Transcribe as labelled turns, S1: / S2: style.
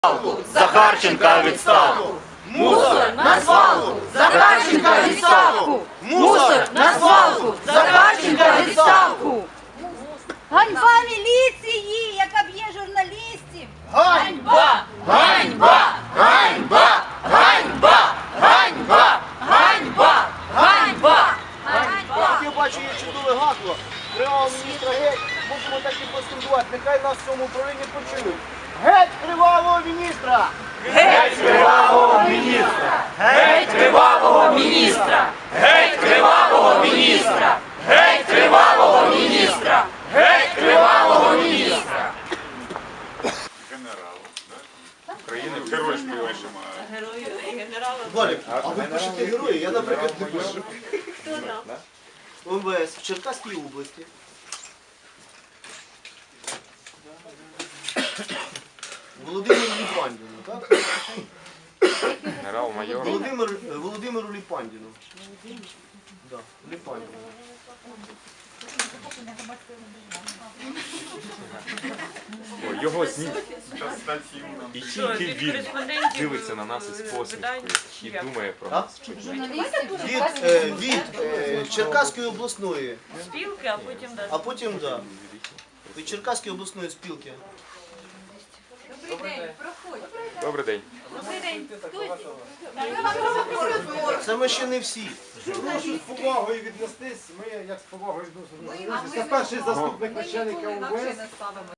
S1: Захарченка відставку!
S2: Мусор на свалку! Захарченка відставку! Мусор на свалку! Захарченка відставку!
S3: Ганьба міліції, яка б'є журналістів!
S2: Ганьба! Ганьба! Ганьба! Ганьба! Ганьба! Ганьба! Ганьба!
S4: Я бачу, є чудове гасло. Кривавого міністра геть. Можемо так і поскандувати. Нехай нас в цьому управлінні почують. Геть кривавого міністра!
S2: Геть кривавого міністра! Геть кривавого міністра! Геть кривавого міністра! Геть кривавого міністра! Геть кривавого міністра!
S1: Генерал, так? України герой співаємо.
S4: Валік, а ви пишете герої? Я, наприклад, не пишу.
S3: Хто там?
S4: МВС в Черкаській області. Володимиру Ліпандіну, так?
S1: Генерал-майор.
S4: Володимиру Ліпандіну. Да, Ліпандіну.
S5: Його і тільки він дивиться на нас із посмішкою і думає про нас.
S4: Від Черкаської обласної.
S6: Спілки, а потім далі.
S4: А потім, да. Від Черкаської обласної спілки.
S3: Добрий день, проходь.
S5: Добрий день.
S3: Добрий день.
S4: Це ми ще не всі.
S7: Прошу з повагою віднестись, ми як з повагою відносимо. Це перший заступник начальника УВС.